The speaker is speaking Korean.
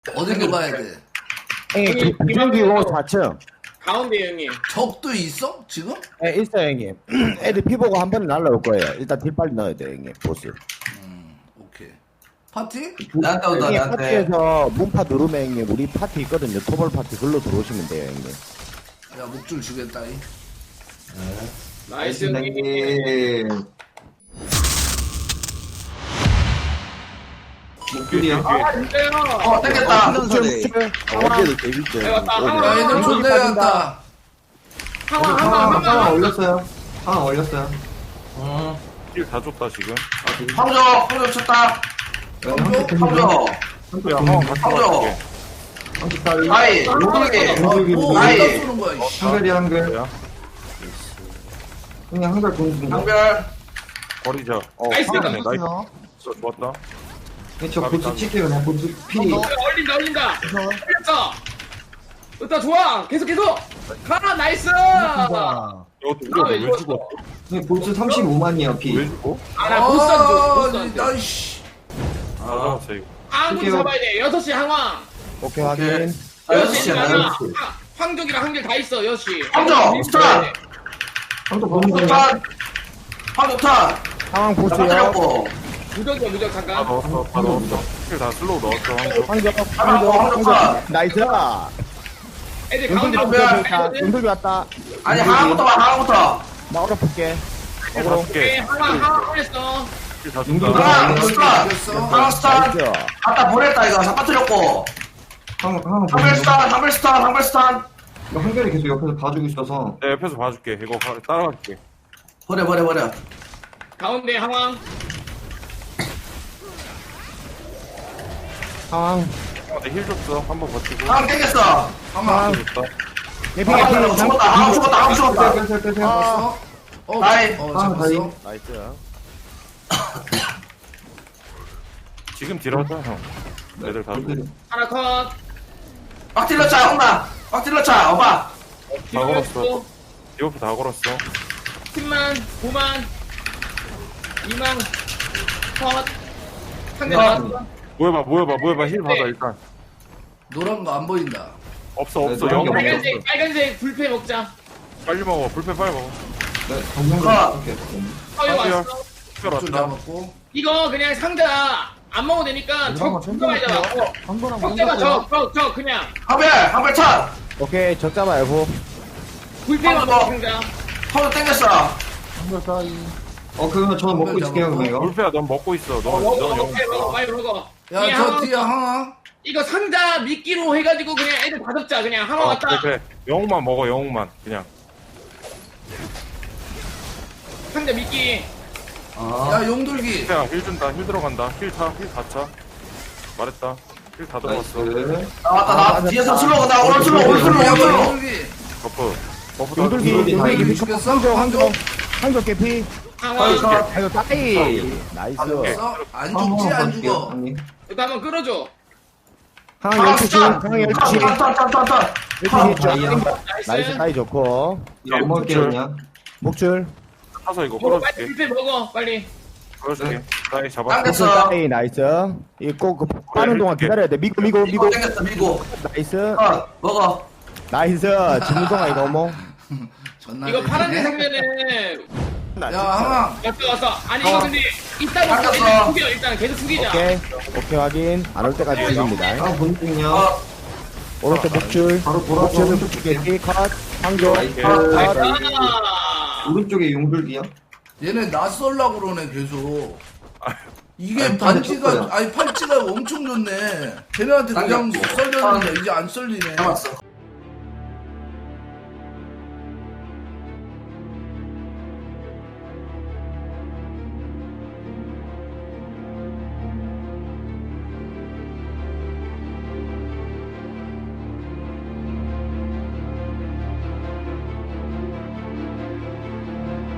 어디로 가야 돼? 형님, 비행기고 4층. 가운데 형님. 적도 있어? 지금? 네, 있어요, 형님. 애들 피 보고 한 번에 날라올 거예요. 일단 딜 빨리 넣어야 돼요, 형님. 보스. 오케이. 파티? 나한테 온다, 형님, 나한테. 파티에서 문파 누르면, 형님, 우리 파티 있거든요. 토벌 파티. 글로 들어오시면 돼요, 형님. 야, 목줄 주겠다. 이. 나이스 형님. 형님. 목줄이요? 아 진짜요? 땡겼다. 어제도 재밌죠. 야, 왔다. 야, 얘들 존나 갔다. 항상 올렸어요. 하나 올렸어요. 힐다 줬다 지금. 황조 쳤다. 황조. 야, 형 같이 황조. 갈게. 아이, 용돌기. 뭐, 아이. 어디다 쏘는 거야, 이씨. 한별이 한별. 야, 그냥 한별 공중. 한별. 버리자. 나이스. 나이스. 좋았다. 저 보스 칠게요. 그냥 보스 피. 올린다. 올렸어. 좋다 좋아. 계속. 가 나이스. 이것도 우리가 왜 죽었어? 보스 35만이에요, 피. 왜 죽어? 아나 보스 안 줘. 나, 씨. 아, 잡았어 이거. 항구 잡아야 돼. 6시 항왕. 오케이, 확인. 6시야, 6시 6시. 황족이랑 한길 다 있어 6시. 황족, 스탑! 황조 보는 거. 황조 타. 상황 보세요. 잡았고. 무적이야 무적 다 잠깐. 넣었어. 다 넣었어. 힐다 슬로우 넣었어. 한쪽. 황정. 나이스. 애들 용돌이 가운데로 왔다. 보여. 용돌이 왔다. 아니, 하나부터 봐, 하나부터. 나 얼어볼게. 힐다 오케이 줄게. 항왕 올렸어. 힐다 용돌이 준다. 하나, 스타. 이겼어. 하나, 스타. 나이스. 아까 보냈다, 이거. 잡아뜨렸고. 한별스탄. 이거 한별이 계속 옆에서 봐주고 있어서. 내 옆에서 봐줄게. 이거 따라갈게. 버려. 가운데 항왕. 상황. 힐 줬어. 한번 버티고. 하나 땡겼어. 한번 줬다. 예피, 하나 죽었다. 빼세요. 왔어? 나이. 잡았어. 나이스. 지금 딜하자 형. 애들 다 죽어. 하나 컷. 막 찔러차, 엄마. 막 찔러차, 오빠. 다 걸었어. 디오프 다 걸었어. 10만 9만 2만 컷. 상대 컷. 나왔어. 모여봐. 힐 받아 일단. 노란 거 안 보인다. 없어. 네, 영 노란 게 없어. 빨간색 불패 먹자. 빨리 먹어. 불펜 빨리 먹어. 컷. 허용 빨리요. 왔어. 힐 목줄 왔다. 잡았고. 이거 그냥 상자 안 먹어도 되니까 적 잡아야잖아. 적 잡아 적 그냥 한별 차. 오케이, 적 잡아요. 불패만 한 먹어 번. 상자. 서로 땡겼어. 그러면 저는 먹고 있을게요, 그럼 이거. 불펜아 넌 먹고 있어. 넌 먹어 영. 빨리 먹어. 야, 그냥 저 항상 뒤에 항아. 이거 상자 미끼로 해가지고 그냥 애들 다 잡자. 그냥 하나 왔다. 그래. 영웅만 먹어. 영웅만 그냥. 상자 미끼. 야, 용돌기. 불펜아 힐 준다. 힐 들어간다. 힐 다 차. 말했다. 힐 다 들어갔어. 나 뒤에서 슬로우 나 오늘 슬로우 야, 용돌기. 버프. 버프 다 용돌기, 줬어. 용돌기 죽였어? 한쪽 개피. 항왕. 아이고, 따이. 나이스. 죽였어? 안 죽지, 안 죽어. 이거 한번 끌어줘. 상황 12시. 상황 12시. 턴. 12시. 나이스, 나이스. 따이 좋고. 이거 안 먹을게요, 그냥. 목줄. 타서 이거 먹어 빨리 끌어줄게. 불패 먹어 빨리. 끌어줄게. 나이 잡아. 당겼어. 목줄 따이. 나이스. 이거 그 빠는 동안 기다려야 돼. 미고. 미고 땡겼어, 미고. 나이스. 먹어. 나이스. 지금 동안 이거 뭐. 존나 이거 재밌네. 파란색 상자는 야, 항아. 왔어. 아니 이거 근데 이따 먹고 닦았어. 일단 숙여 일단 계속 숙이자. 오케이 확인. 안 올 때까지 죽입니다. 아, 본중이야. 오른쪽 목줄. 바로 돌아서 목줄 개피 컷. 황조. 나이스. 컷. 아. 오른쪽에 용불기야. 얘네 나 쏠라고 그러네, 계속. 이게 아니, 반지가, 쳤어요. 아니, 팔찌가 엄청 좋네. 걔네한테 그냥 당겼고. 썰렸는데 이제 안 썰리네. 잡았어.